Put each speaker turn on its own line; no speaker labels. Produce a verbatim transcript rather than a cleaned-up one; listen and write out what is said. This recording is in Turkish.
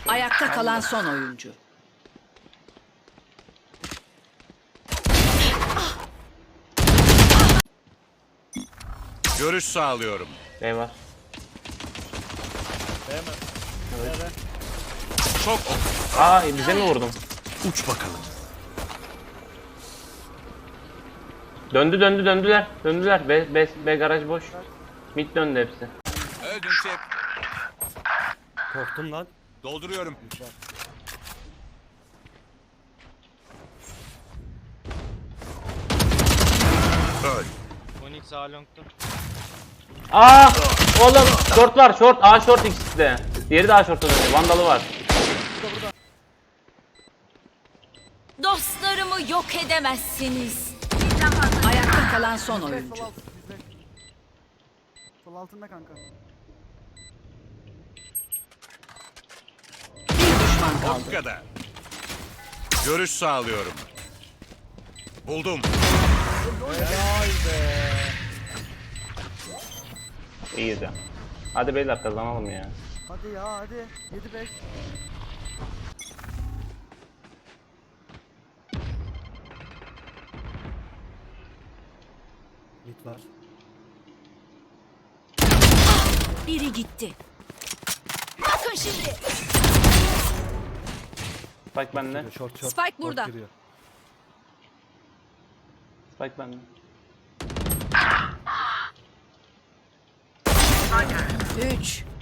Ayakta kalan son oyuncu.
Görüş sağlıyorum.
B var.
Değmez. Evet.
Çok
Aa bize mi vurdum?
uç bakalım.
Döndü döndü döndüler. Döndüler. B, B, B garaj boş. Mid döndü hepsi.
Öldün şef.
Korktum lan.
Dolduruyorum. Öl.
Onyx A long'da.
Aa oğlum short var short. A short ikisi de. Diğeri de A short'a dönüyor. Vandalı var.
Dostlarımı yok edemezsiniz. Ayakta kalan son
Sol
oyuncu.
alt bizde. Sol altında kanka.
Bir düşman
Bu
kaldı.
kadar. Görüş sağlıyorum. Buldum.
Helal be.
İyiyiz ya. Hadi beyler kazanalım ya.
Hadi ya hadi. yedi beş.
Mid var.
Biri gitti. Bakın şimdi.
Spike bende.
Short short.
Spike
Short
burada.
giriyor.
Spike bende.
Üç.